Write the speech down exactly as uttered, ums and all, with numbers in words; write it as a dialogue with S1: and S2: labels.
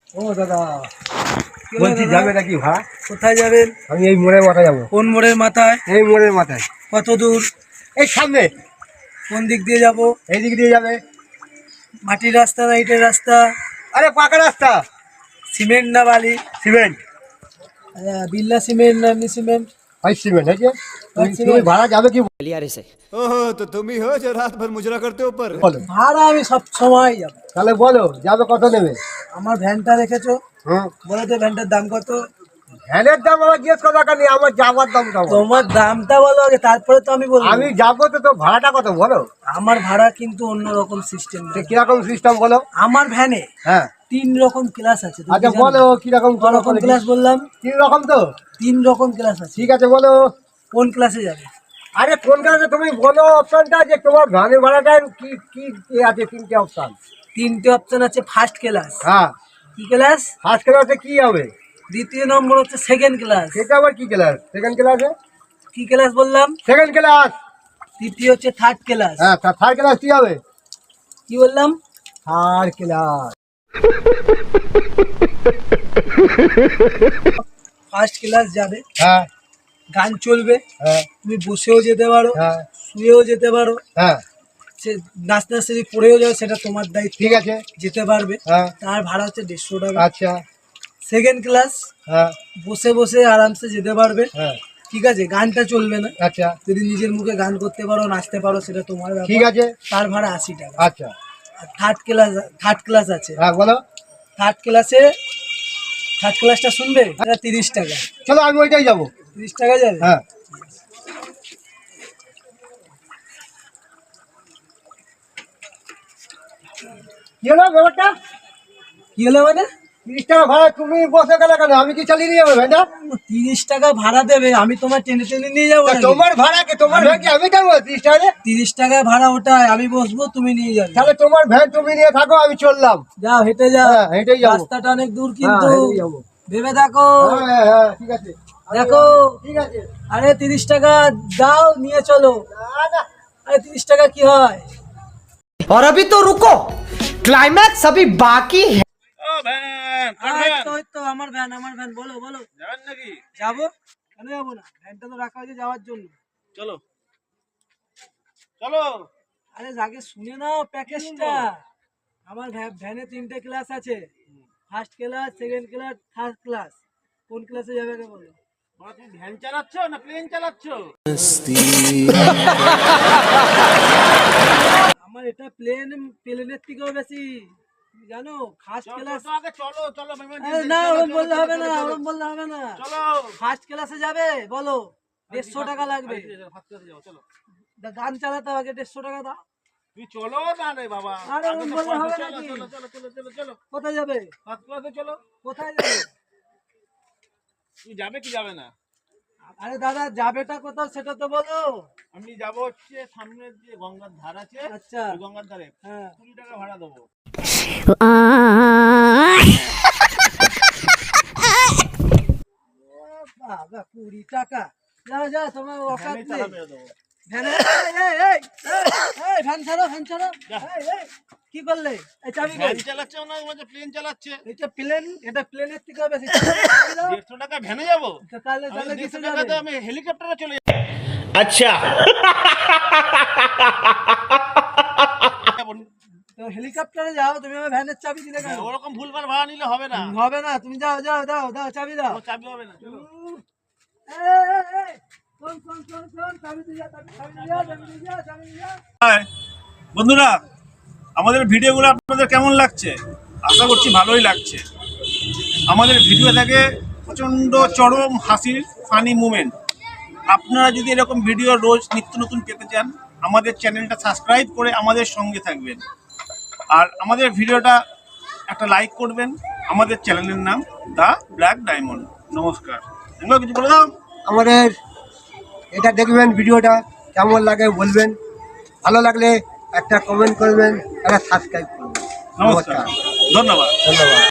S1: ও দাদা বলছি যাবে নাকি ভাড়া?
S2: কোথায় যাবেন?
S1: আমি এই মোড়ের মাথায় যাবো।
S2: কোন মোড়ের মাথায়?
S1: এই মোড়ের মাথায়।
S2: কত দূর?
S1: এই সামনে।
S2: কোন দিক দিয়ে যাব?
S1: এই দিক দিয়ে যাবে।
S2: মাটির রাস্তা না ইটের রাস্তা?
S1: আরে পাকা রাস্তা।
S2: সিমেন্ট না বালি?
S1: সিমেন্ট।
S2: बिल्ला सीमेंट ना एमनी सीमेंट?
S1: भाई सीमेंट है क्या? তুমি ভাড়া যাবে কি?
S3: ओहो तो तुम ही हो जो रात भर मुजरा करते हो ऊपर।
S1: বলো
S2: ভাড়া আমি সব সময় যাব।
S1: তাহলে বলো যাবে কত নেবে?
S2: আমার ভ্যানটা রেখেছো,
S1: হুম
S2: বলো তো ভ্যানটার দাম কত?
S1: ভ্যানের দাম আমার জিজ্ঞেস করা দরকার নেই, আমার যাবার দামটা বলো।
S2: তোমার দামটা বলো আগে, তারপরে তো আমি বলবো।
S1: আমি যাবো তো, তো ভাড়াটা কত বলো?
S2: আমার ভাড়া কিন্তু অন্য রকম সিস্টেম।
S1: কিরকম সিস্টেম বলো?
S2: আমার ভ্যানে
S1: হ্যাঁ
S2: তিন রকম ক্লাস আছে। তুমি
S1: আচ্ছা
S2: কি জানো?
S1: বলো কিরকম
S2: রকম ক্লাস বললাম?
S1: তিন রকম তো?
S2: তিন রকম ক্লাস আছে।
S1: ঠিক আছে বলো
S2: কোন ক্লাসে যাবে?
S1: আরে কোন ক্লাসে তুমি বলো অপশনটা, যে তোমার ভ্যানের ভাড়াটা কি কি কি আছে? তিনটে অপশন।
S2: তিনটে অপশন আছে। First class.
S1: হ্যাঁ
S2: কি ক্লাস?
S1: ফার্স্ট ক্লাসে কি হবে?
S2: দ্বিতীয় নম্বর হচ্ছে সেকেন্ড ক্লাস।
S1: সেটা আবার কি ক্লাস? সেকেন্ড ক্লাসে
S2: কি ক্লাস বললাম?
S1: Second class.
S2: তৃতীয় হচ্ছে থার্ড ক্লাস।
S1: হ্যাঁ থার্ড ক্লাস কি হবে?
S2: কি বললাম?
S1: Third class.
S2: ফার্স্ট ক্লাস যাবে,
S1: হ্যাঁ
S2: গান চলবে,
S1: হ্যাঁ
S2: তুমি বসেও যেতে পারো,
S1: হ্যাঁ
S2: শুয়েও যেতে পারো,
S1: হ্যাঁ
S2: সে নাচতে নাচতে যদি পড়েও যাও সেটা তোমার দায়িত্ব।
S1: ঠিক আছে
S2: যেতে পারবে।
S1: হ্যাঁ
S2: তার ভাড়া হচ্ছে দেড়শো টাকা।
S1: আচ্ছা
S2: সেকেন্ড ক্লাস
S1: হ্যাঁ
S2: বসে বসে আরামসে যেতে পারবে,
S1: হ্যাঁ
S2: ঠিক আছে, গানটা চলবে না।
S1: আচ্ছা
S2: যদি নিজের মুখে গান করতে পারো, নাচতে পারো, সেটা তোমার ব্যাপার।
S1: ঠিক আছে
S2: তার ভাড়া আশি টাকা।
S1: আচ্ছা
S2: আর থার্ড ক্লাস, থার্ড ক্লাস আছে।
S1: হ্যাঁ বলো।
S2: থার্ড ক্লাসে থার্ড ক্লাসটা শুনবে, এটা তিরিশ টাকা।
S1: চলো আমি ওইটাই যাবো।
S2: তিরিশ টাকা যাবে।
S1: হ্যাঁ কি হলো ব্যাপারটা?
S2: কি হলো মানে?
S1: তিরিশ টাকা ভাড়া তুমি বসে গেলে কেন? আমি কি চালিয়ে নিয়ে যাবো ভ্যানটা?
S2: তিরিশ টাকা ভাড়া দেবে, আমি তোমার টেনে টেনে নিয়ে যাবো
S1: তা
S2: নাকি?
S1: তোমার ভাড়া কি? তোমার ভ্যান কি আমি যাবো তিরিশ টাকা?
S2: তিরিশ টাকা ভাড়া ওটাই, আমি বসবো, তুমি নিয়ে যাবে।
S1: তাহলে তোমার ভ্যান তুমি নিয়ে থাকো, আমি চললাম।
S2: যাও, হেঁটে যাও।
S1: হ্যাঁ হেঁটেই যাবো।
S2: রাস্তাটা অনেক দূর কিন্তু,
S1: হ্যাঁ, হেঁটেই যাবো।
S2: ভেবে দেখো।
S1: হ্যাঁ হ্যাঁ ঠিক আছে
S2: দেখো।
S1: ঠিক আছে।
S2: আরে তিরিশ টাকা দাও, নিয়ে চলো।
S1: না না
S2: আরে তিরিশ টাকা কি হয়?
S4: और अभी तो रुको, क्लाइमैक्स अभी बाकी है।
S2: এই তো, এই তো আমার ভ্যান, আমার ভ্যান। বলো বলো। যাবেন নাকি? যাবো, কেন যাবো না? ভ্যানটা তো রাখা হয়েছে যাওয়ার জন্য।
S5: চলো চলো।
S2: আরে আগে শুনে নাও প্যাকেজটা। আমার ভ্যা- ভ্যানে তিনটে ক্লাস আছে। First class, second class, third class. কোন ক্লাসে যাবে আগে বলো?
S5: বাবা, তুমি ভ্যান চালাচ্ছ না প্লেন চালাচ্ছ?
S2: আমার এটা প্লেন, প্লেনের থেকেও বেশি, তুমি জানো। ফার্স্ট
S5: চলো,
S2: ক্লাস।
S5: চলো, আগে চলো চলো মেহমান,
S2: আরে না,
S5: চলো,
S2: ওরম
S5: চলো,
S2: বললে
S5: চলো,
S2: হবে
S5: চলো,
S2: না,
S5: চলো।
S2: ওরম বললে হবে না।
S5: চলো
S2: ফার্স্ট ক্লাসে যাবে বলো, দেড়শো টাকা লাগবে।
S5: ফার্স্ট ক্লাসে যাও, চলো।
S2: দা- গান চালাতে হবে, আগে দেড়শো টাকা দাও।
S5: তুমি চলো না রে বাবা।
S2: আরে
S5: আগে
S2: ওরম
S5: তো
S2: বললে হবে
S5: চলো,
S2: নাকি?
S5: চলো, চলো, চলো, চলো, চলো।
S2: কোথায় যাবে?
S5: ফার্স্ট ক্লাসে চলো।
S2: কোথায় যাবে?
S5: তুমি যাবে কি যাবে না?
S2: আরে দাদা, যাবেটা কোথাও সেটা তো বলো।
S5: আমি যাব হচ্ছে সামনের যে গঙ্গার ধার আছে,
S2: আচ্ছা।
S5: ওই গঙ্গার ধারে
S2: হ্যাঁ।
S5: কুড়ি টাকা ভাড়া দেবো।
S2: ও বাবা, কুড়ি টাকা? যাও যাও, তোমার অকাত
S5: ভ্যানে
S2: নেই।
S5: চালা মেরে দেবো।
S2: ভ্যানে এই, এই, এই, এই, এই, ভ্যান ছাড়ো, ভ্যান ছাড়ো। এই, এই, কি করলে? এই চাবি
S5: ভ্যান
S2: কই?
S5: চালাচ্ছে না, বলছে প্লেন চালাচ্ছে।
S2: এটা প্লেন, এটা প্লেনের থেকে বেশি। চাবি দাও।
S5: দেড়শো টাকা ভ্যানে যাবো?
S2: তো তাহলে
S5: আমি
S2: তাহলে
S5: দেড়শো
S2: কিসে
S5: টাকাতে
S2: যাবে?
S5: আমি হেলিকপ্টারে চলে যাবো।
S2: তো হেলিকপ্টারে যাও, তুমি আমার ভ্যানের চাবি দিলে কেন?
S5: ওরকম ভুলভাল ভাড়া নিলে হবে না।
S2: হবে না, তুমি যাও যাও দাও দাও, চাবি দাও।
S5: ও চাবি হবে না, চলো।
S2: এই, এই, এই, শোন, শোন, শোন, শোন, চাবি দিয়ে যা, চাবি, চাবি দিয়ে যা, চাবি দিয়ে যা, চাবি দিয়ে যা।
S5: হাই বন্ধুরা, আমাদের ভিডিওগুলো আপনাদের কেমন লাগছে? আশা করছি ভালোই লাগছে। আমাদের ভিডিও থাকে প্রচণ্ড চরম হাসির ফানি মুমেন্ট। আপনারা যদি এরকম ভিডিও রোজ নিত্য নতুন পেতে চান, আমাদের চ্যানেলটা সাবস্ক্রাইব করে আমাদের সঙ্গে থাকবেন। আর আমাদের ভিডিওটা একটা লাইক করবেন। আমাদের চ্যানেলের নাম দ্য ব্ল্যাক ডায়মন্ড। নমস্কার। তোমরা কিছু বলে দাও।
S1: আমাদের এটা দেখবেন, ভিডিওটা কেমন লাগে বলবেন, ভালো লাগলে একটা কমেন্ট করবেন, একটা সাবস্ক্রাইব করবেন।
S5: নমস্কার, ধন্যবাদ।
S1: ধন্যবাদ।